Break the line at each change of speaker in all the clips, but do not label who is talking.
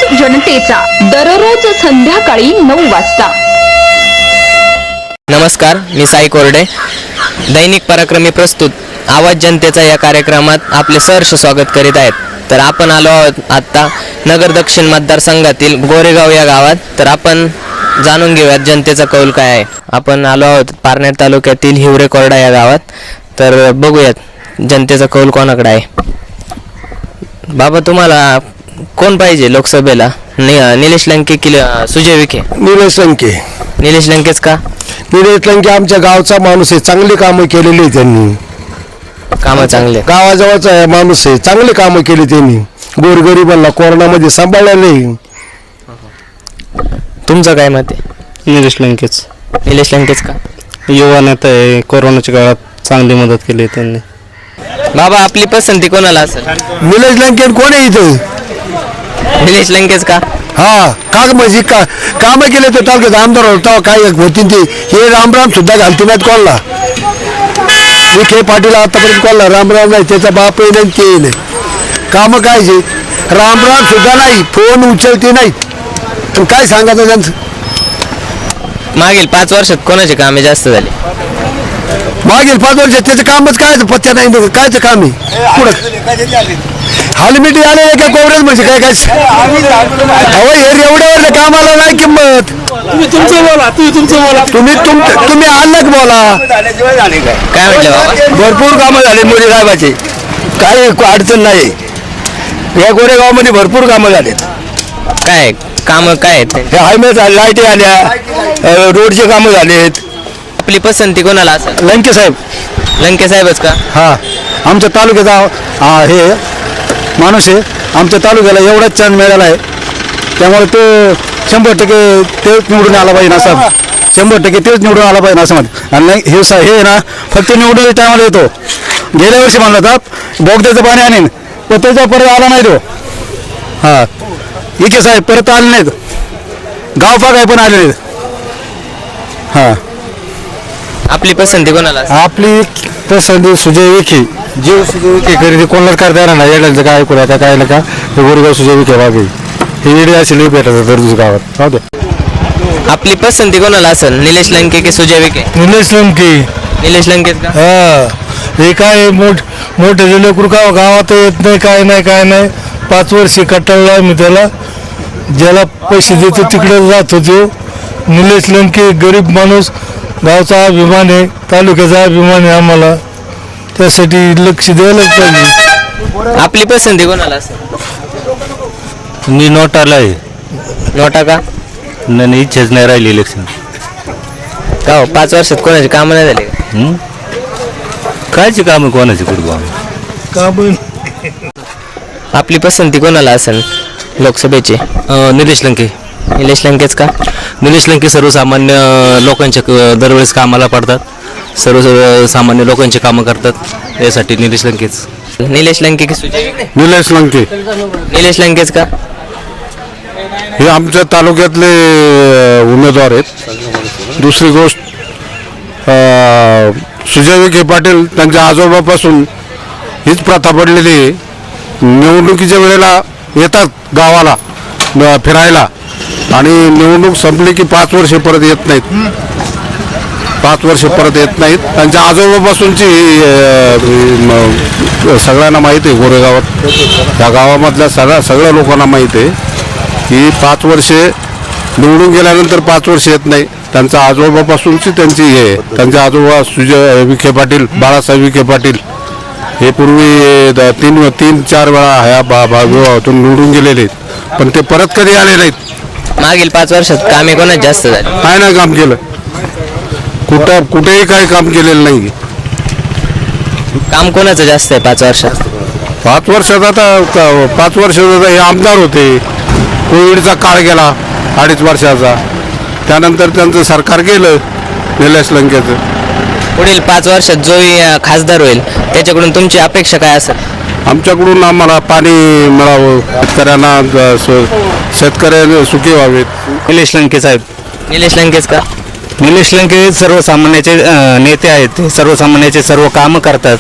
जनतेचा दररोज संध्याकाळी 9 वाजता।
नमस्कार, मी साई कोरडे। दैनिक पराक्रमी प्रस्तुत आवाज जनतेचा या कार्यक्रमात आपले सहर्ष स्वागत करीत आहेत। तर आपण आलो आहोत आता नगर दक्षिण मतदारसंघातील गोरेगाव या गावात। तर आपण जाणून घेऊयात जनतेचा कौल काय आहे। आपण आलो आहोत पारनेर तालुक्यातील हिवरे कोरडा या गावात। तर बघूयात जनतेचा कौल कोणाकडे आहे। बाबा, तुम्हाला कोण पाहिजे लोकसभेला? निलेश लंके की सुजय विखे?
निलेश लंके।
निलेश लंकेच का?
निलेश लंके आमच्या गावचा माणूस आहे, चांगली कामं केलेली आहे त्यांनी।
कामं चांगले,
गावाजवळचा माणूस आहे, चांगली कामं केली त्यांनी, गोरगरिबांना कोरोनामध्ये सांभाळले।
तुमचं काय मत आहे?
निलेश लंकेच।
निलेश लंकेच का?
युवा नेता आहे, कोरोनाच्या काळात चांगली मदत केली त्यांनी।
बाबा, आपली पसंती कोणाला असेल?
निलेश लंके कोण आहे इथं?
निलेश लंकेच का?
हा, का म्हणजे कामं केले तर तालुक्यात आमदार होता काय होतील ते। हे रामराम सुद्धा घालते नाहीत कोणाला। विखे पाटील आतापर्यंत कोणाला रामराम नाही, त्याचा बापही नाही, ते नाही। कामं काय जे रामराम सुद्धा नाही, फोन उचलते नाही, पण काय सांगायचं त्यांचं?
मागील 5 वर्षात कोणाचे कामे जास्त झाले?
मागील 5 वर्षात त्याचं कामच काय पत्त्या नाही, कायचं काम आहे पुढं? हालमिटी आलेले काय कोवरेज म्हणजे काय काय? अहो, हे एवढ्यावर कामाला नाही किंमत। तुम्ही अलग बोला।
काय म्हटलं बाबा?
भरपूर कामं झाले मोदी साहेबाचे, काही अडचण नाही। या गोरेगावमध्ये भरपूर कामं झालेत।
काय कामं काय आहेत?
हे हायवे लाईटी आल्या, रोडचे कामं झालेत।
आपली पसंती कोणाला असेल?
लंके साहेब।
लंके साहेबच का?
हा, आमच्या तालुक्याचा हे माणूस आहे, आमच्या तालुक्याला एवढाच चान्स मिळाला आहे, त्यामुळे तो 100% तेच निवडून आला पाहिजे असं, 100% तेच निवडून आला पाहिजे असं म्हणत। आणि हे ना फक्त निवडून टायमाला येतो। गेल्या वर्षी म्हणलं होता बोगद्याचं पाणी आणीन, पण त्याचा परत आला नाही तो। हा, विखे साहेब परत आले नाहीत, गाव काय पण आले नाहीत। हा,
आपली पसंती कोणाला असेल?
आपली पसंती सुजय विखे। जीव सुजय विखे खरेदी कोणाला करता येणार नाही। येड्यांचं काय ऐकू आता काय नका, हे गोरेगाव सुजय विखे बागे हे येडे असेल भेटत दररोज गावात। हो दे।
आपली पसंती कोणाला असेल? निलेश लंके की सुजय विखे?
निलेश लंके।
निलेश लंकेच का?
हा, हे काय मोठे लेकरू गावात येत नाही, काय नाही। 5 वर्षे कटाळला मी त्याला, ज्याला पैसे देतो तिकडे जात होतो। निलेश लंके गरीब माणूस, गावचा अभिमान आहे, तालुक्याचा अभिमान आहे आम्हाला, त्यासाठी लक्ष द्यायलाच पाहिजे।
आपली पसंती कोणाला असेल?
मी नोटाला आहे।
नोटा का?
नाही, इच्छाच नाही राहिली इलेक्शन।
का हो, 5 वर्षात कोणाचे कामं नाही झाले का?
कायची कामं कोणाची करू?
आपली पसंती कोणाला असेल लोकसभेची?
निलेश लंके।
निलेश लंकेच का?
निलेश लंके सर्वसामान्य लोकांच्या दरवेळेस कामाला पडतात, सर्वसामान्य लोकांची कामं करतात, यासाठी निलेश लंकेच।
निलेश लंके की सुजय विखे?
निलेश लंके।
निलेश लंकेच का?
हे आमच्या तालुक्यातले उमेदवार आहेत। दुसरी गोष्ट, सुजय विखे पाटील त्यांच्या आजोबापासून हीच प्रथा पडलेली आहे, निवडणुकीच्या वेळेला येतात गावाला फिरायला आणि निवडणूक संपली की 5 वर्षे परत येत नाहीत। 5 वर्षे परत येत नाहीत। त्यांच्या आजोबापासूनची सगळ्यांना माहीत आहे, गोरेगावात त्या गावामधल्या सगळ्या लोकांना माहीत आहे की 5 वर्षे निवडून गेल्यानंतर 5 वर्ष येत नाही। त्यांच्या आजोबापासूनची त्यांची हे, त्यांचे आजोबा सुजय विखे पाटील, बाळासाहेब विखे पाटील हे पूर्वी 3-4 वेळा ह्या विभागातून निवडून गेलेले आहेत, पण ते परत कधी आले नाहीत।
मागील 5 वर्षात कामे कोणाच जास्त झाली?
काय नाही काम केलं, कुठेही काही काम केलेलं नाही।
काम कोणाचं जास्त आहे 5 वर्षात?
5 वर्षात आता 5 वर्षात हे आमदार होते, कोविडचा काळ गेला 2.5 वर्षाचा, त्यानंतर त्यांचं सरकार गेलं निलेश लंकेचं।
पुढील 5 वर्षात जो खासदार होईल त्याच्याकडून तुमची अपेक्षा काय असेल?
आमच्याकडून आम्हाला पाणी मिळावं, शेतकऱ्यांना सुखी व्हावेत।
निलेश लंके साहेब।
निलेश लंकेच का?
निलेश लंके सर्वसामान्याचे नेते आहेत, सर्वसामान्याचे सर्व कामं करतात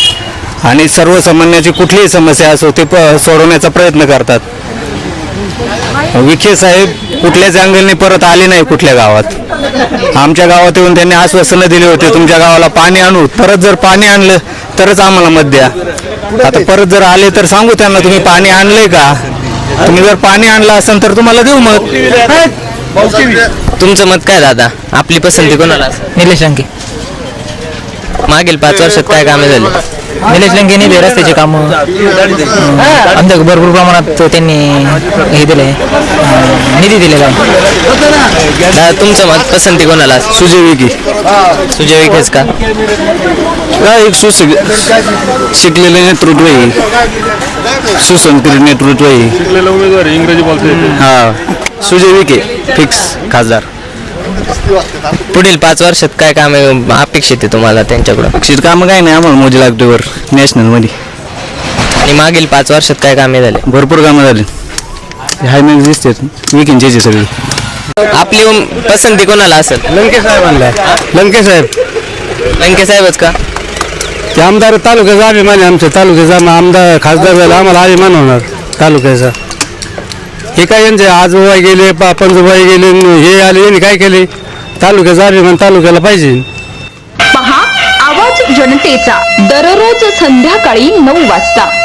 आणि सर्वसामान्याची कुठलीही समस्या असो ते सोडवण्याचा प्रयत्न करतात।
विखे साहेब कुठल्याच अँगलने परत आले नाही कुठल्या गावात. आमच्या गावात येऊन त्यांनी आश्वासनं दिली होते तुमच्या गावाला पाणी आणू, परत जर पाणी आणलं तरच आम्हाला मत द्या. आता परत जर आले तर सांगू त्यांना तुम्ही पाणी आणलंय का, तुम्ही जर पाणी आणलं असेल तर तुम्हाला देऊ मत.
तुमचं मत काय दादा, आपली पसंती कोणाला असेल?
निलेश लंके.
मागील 5 वर्षात काय कामे झाली?
निलेश लंकेने ते रस्त्याचे काम आमच्या भरपूर प्रमाणात त्यांनी हे दिले, निधी दिलेला आहे.
दादा तुमचं मत पसंती कोणाला असेल?
सुजय विखे.
सुजय विखेच का?
काय एक शिकलेले नेतृत्व आहे, सुसंस्कृत नेतृत्व आहे. हा सुजय विखे फिक्स खासदार.
पुढील 5 वर्षात काय कामे अपेक्षित आहे तुम्हाला त्यांच्याकडून?
अक्षित कामं काय नाही आम्हाला मोजी लागतोवर नॅशनलमध्ये.
आणि मागील 5 वर्षात काय कामे झाले?
भरपूर कामं झाली. हायमेन दिसतात विकेंडचे सगळी.
आपली पसंती कोणाला असेल?
लंके साहेब आणलाय. लंके साहेब.
लंके साहेबच का?
ते आमदार तालुक्याचा अभिमान आहे, आमच्या तालुक्याचा आमदार खासदार झाला आम्हाला अभिमान होणार तालुक्याचा. हे काय यांचे आजोबा गेले पंजोबाई गेले, हे आले यांनी काय केले, तालुक्याचा अभिमान तालुक्याला पाहिजे.
पहा आवाज जनतेचा दररोज संध्याकाळी 9 वाजता.